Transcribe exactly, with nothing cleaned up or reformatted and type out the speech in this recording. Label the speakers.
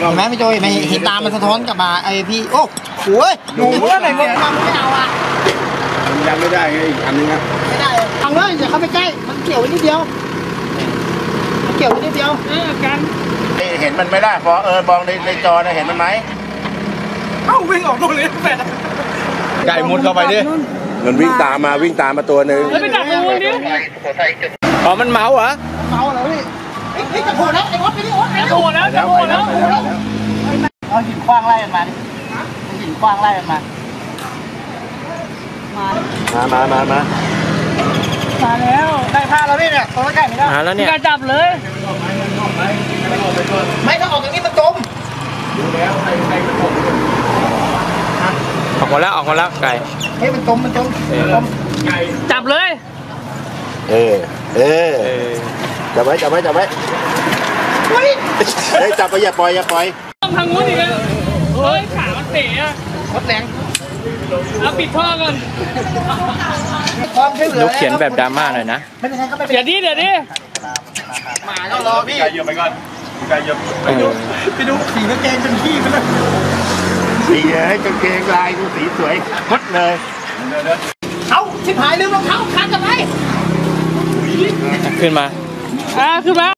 Speaker 1: เห็นไหมพี่โจยเห็นตามันสะท้อนกลับมาไอพี่โอ้โหหนูเมื่อไหร่มึงทำไม่เอาอ่ะ
Speaker 2: มันยังไม่ได้ไงอีกอันนึงอ่ะ
Speaker 1: ไม่ได้เอาเลยอย่าเข้าไปใกล้มันเกี่ยวไว้นิดเดียวมันเกี่ยวไว้นิดเดียวเออกัน
Speaker 3: เห็นมันไม่ได้พอเออมองในในจอนะเห็นมันไหม
Speaker 1: เอ้าวิ่งออกนู่นเลยแฟน
Speaker 2: ไก่มุดเข้าไปดิมันวิ่งตามมาวิ่งตามมาตัวหนึ่ง
Speaker 1: แล้วไปจับงูดิ
Speaker 2: อ๋อมันเมาเหรอ
Speaker 1: เมาแล้วพี่เฮ้ยจะโผล่แล้วไอ้วัดไปดิวัดจะโผล่แล้วจะโผล่แล้วเอาหินคว้างไล่มันมาดิหินคว้างไล่มันมา
Speaker 2: มามามามา
Speaker 1: มาแล้วได้ผ้าแล้วเนี่ยตัวใกล้ไม่ได้
Speaker 2: มาแล้วเนี่ย
Speaker 1: การจับเลยไม่ถ้าออกอย่างนี้มันจม
Speaker 2: ออกมาแล้วออกมาแล้วไก่
Speaker 1: เฮ้ยมันจมมันจมจับเลย
Speaker 2: เออเออจับไว้จับไว้จับไว้เฮ้ยจับไปอย่าปล่อยอย่าปล่อย
Speaker 1: ต้องทางงูนอีกแล้วเฮ้ยขามันเตะอะวัดแรงเอาปิดท่อก่อน
Speaker 2: ลูกเขียนแบบดราม่าหน่อยนะ
Speaker 1: เดี๋ยวดิเดี๋ยวดิมาแล้วรอพี่
Speaker 2: ไก่เยอะไปก่อนไก่เยอะ
Speaker 1: ไปดูไปดูสีกางเกงเป็นขี้ไปเลย
Speaker 3: สีให้กางเกงลายดูสีสวยมดเลย
Speaker 1: เอาชิบหายลืมรองเท้าคันกันไหม
Speaker 2: ขึ้นมา
Speaker 1: อ่าขึ้นมา